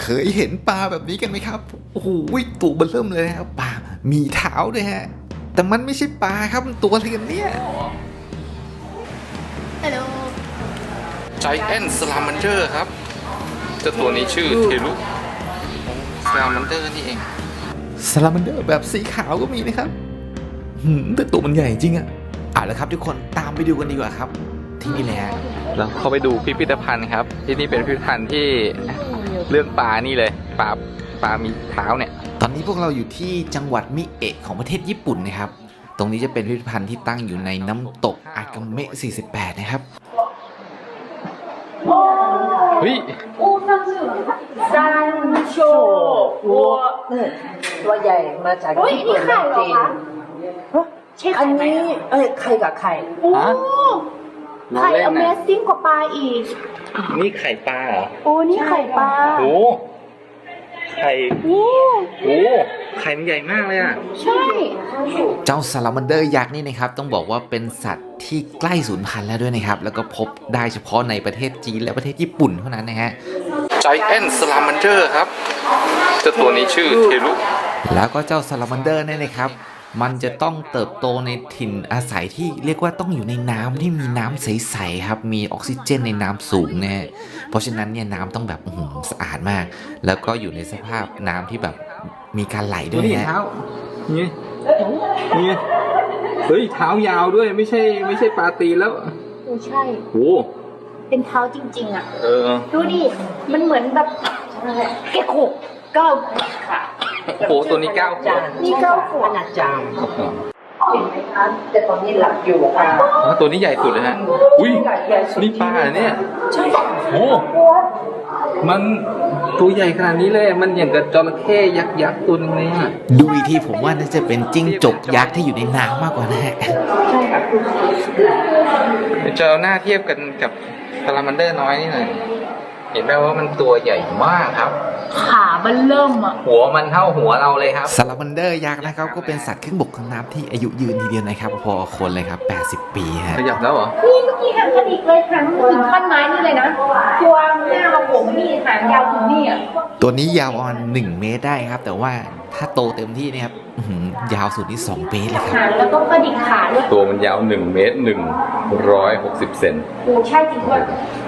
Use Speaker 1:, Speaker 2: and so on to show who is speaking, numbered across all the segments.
Speaker 1: เคยเห็นปลาแบบนี้กันไหมครับโอ้โหตัวเบิ่มเริ่มเลยนะครับปลามีเท้าด้วยฮะแต่มันไม่ใช่ปลาครับมันตัวอะไรกันเนี่ย
Speaker 2: ฮัลโหล
Speaker 3: Giant Salamander ครับเจ้าตัวนี้ชื่อเทลุ Salamander นี่เอง
Speaker 1: ซาลามันเดอร์แบบสีขาวก็มีนะครับแต่ตัวมันใหญ่จริงอะแล้วครับทุกคนตามไปดูกันดีกว่าครับที่นี่แหละ
Speaker 3: แล้วเข้าไปดูพิพิธภัณฑ์ครับที่นี่เป็นพิพิธภัณฑ์ที่เรื่องปลานี่เลยปลามีเท้าเนี่ย
Speaker 1: ตอนนี้พวกเราอยู่ที่จังหวัดมิเอะของประเทศญี่ปุ่นนะครับตรงนี้จะเป็นพิพิธภัณฑ์ที่ตั้งอยู่ในน้ำตกอากาเมะ48นะครับ
Speaker 3: เฮ้ย
Speaker 2: ซันโชวัว
Speaker 4: ตัวใหญ่มาจากญี่ปุ่นจริงอันนี้ไข่กับไข่
Speaker 2: ไข่ Amazing กว่าปลาอีก
Speaker 3: นี่ไข่ปลาเหรอ
Speaker 2: โอ้นี่ไข่ปลา
Speaker 3: โอ้ไข่ไข่มันใหญ่มากเลยอ่ะ
Speaker 2: ใช่
Speaker 1: เจ้าซาลามันเดอร์ยักษ์นี่นะครับต้องบอกว่าเป็นสัตว์ที่ใกล้สูญพันธุ์แล้วด้วยนะครับแล้วก็พบได้เฉพาะในประเทศจีนและประเทศญี่ปุ่นเท่านั้นนะฮะ
Speaker 3: Giant Salamander ครับเจ้าตัวนี้ชื่อเทลุ
Speaker 1: แล้วก็เจ้าซาลามันเดอร์เนี่ยนะครับมันจะต้องเติบโตในถิ่นอาศัยที่เรียกว่าต้องอยู่ในน้ำที่มีน้ำใสๆครับมีออกซิเจนในน้ำสูงนะฮะเพราะฉะนั้นเนี่ยน้ำต้องแบบสะอาดมากแล้วก็อยู่ในสภาพน้ำที่แบบมีการไหลด้วยนะ
Speaker 3: เท้านี่เฮ้ยเท้ายาวด้วยไม่ใช่ปลาตีแล้ว
Speaker 2: ใช่
Speaker 3: โอ้
Speaker 2: เป็นเท้าจริงๆอ่ะดูดิมันเหมือนแบบแกะขบก้าวขา
Speaker 3: โอ้ตัวนี้9 ขวบ
Speaker 2: นี่9 ขวบ
Speaker 4: ขนาดจานเห็นไหมคะแต่ตอนนี้หลับอยู่ค่ะ
Speaker 3: ตัวนี้ใหญ่สุดเลยฮะอุ้ยนี่ปลาเนี่ย
Speaker 4: ใช่
Speaker 3: โอ้มันตัวใหญ่ขนาดนี้เลยมันอย่างกับจระเข้ยักษ์ตัวนึงเลยอ่ะ
Speaker 1: ดูอีกทีผมว่าน่าจะเป็นจิ้งจกยักษ์ที่อยู่ในน้ำมากกว่านะฮะ
Speaker 4: ใช่ค่ะ
Speaker 3: จะเอาหน้าเทียบกันกับซาลามันเดอร์น้อยนี่หน่อยเห็นไหมว่ามันตัวใหญ่มากครับ
Speaker 2: ขามันเริ่มอ่ะ
Speaker 3: หัวมันเท่าหัวเราเลยครับ
Speaker 1: ซาลามันเดอร์ยักษ์นะครับก็เป็นสัตว์ครึ่งบกครึ่งน้ำที่อายุยืนทีเดียวนะครับพอคนเลยครับ80 ปีฮะ
Speaker 3: ขยับแล้วเหรอ
Speaker 2: นี่เมื่อกี้หางกระดิกเลยหางถึงขั้นไม้นี่เลยนะตัวหน้าเราผมนี่หางยาวถึงนี่อ่ะ
Speaker 1: ตัวนี้ยาวประมาณ1 เมตรได้ครับแต่ว่าถ้าโตเต็มที่เนี่ยครับยาวสุดนี่2 เมตรเลยครับ
Speaker 2: แล้วก็กระดิกขาด้วย
Speaker 3: ตัวมันยาว1 เมตร 160 เซน
Speaker 2: โอ้ใช่จริงด้วย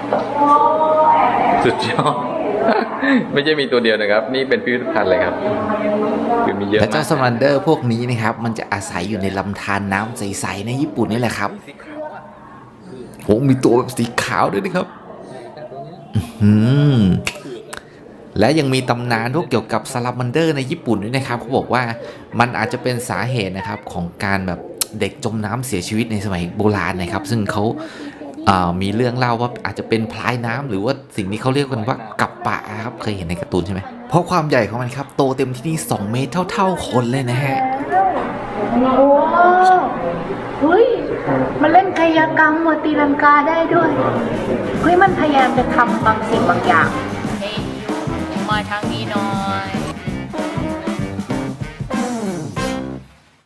Speaker 3: สุดยอดไม่ใช่มีตัวเดียวนะครับนี่เป็นพิพิธภัณฑ์เลยครับคือมีเยอะ
Speaker 1: และเจ้าซาลามันเดอร์พวกนี้นะครับมันจะอาศัยอยู่ในลำธารน้ำใสๆในญี่ปุ่นนี่แหละครับโอ้มีตัวแบบสีขาวด้วยนะครับและยังมีตำนานพวกเกี่ยวกับซาลามันเดอร์ในญี่ปุ่นด้วยนะครับเขาบอกว่ามันอาจจะเป็นสาเหตุนะครับของการแบบเด็กจมน้ำเสียชีวิตในสมัยโบราณนะครับซึ่งเขามีเรื่องเล่าว่าอาจจะเป็นพลายน้ำหรือว่าสิ่งนี้เขาเรียกกันว่ากับปะครับเคยเห็นในการ์ตูนใช่ไหมเพราะความใหญ่ของมันครับโตเต็มที่นี่2 เมตรเท่าคนเลยนะฮะ
Speaker 2: โอ้เฮ้ยมันเล่นกายกรรมตีลังกาได้ด้วยเฮ้ยมันพยายามจะทำบางสิ่งบางอย่าง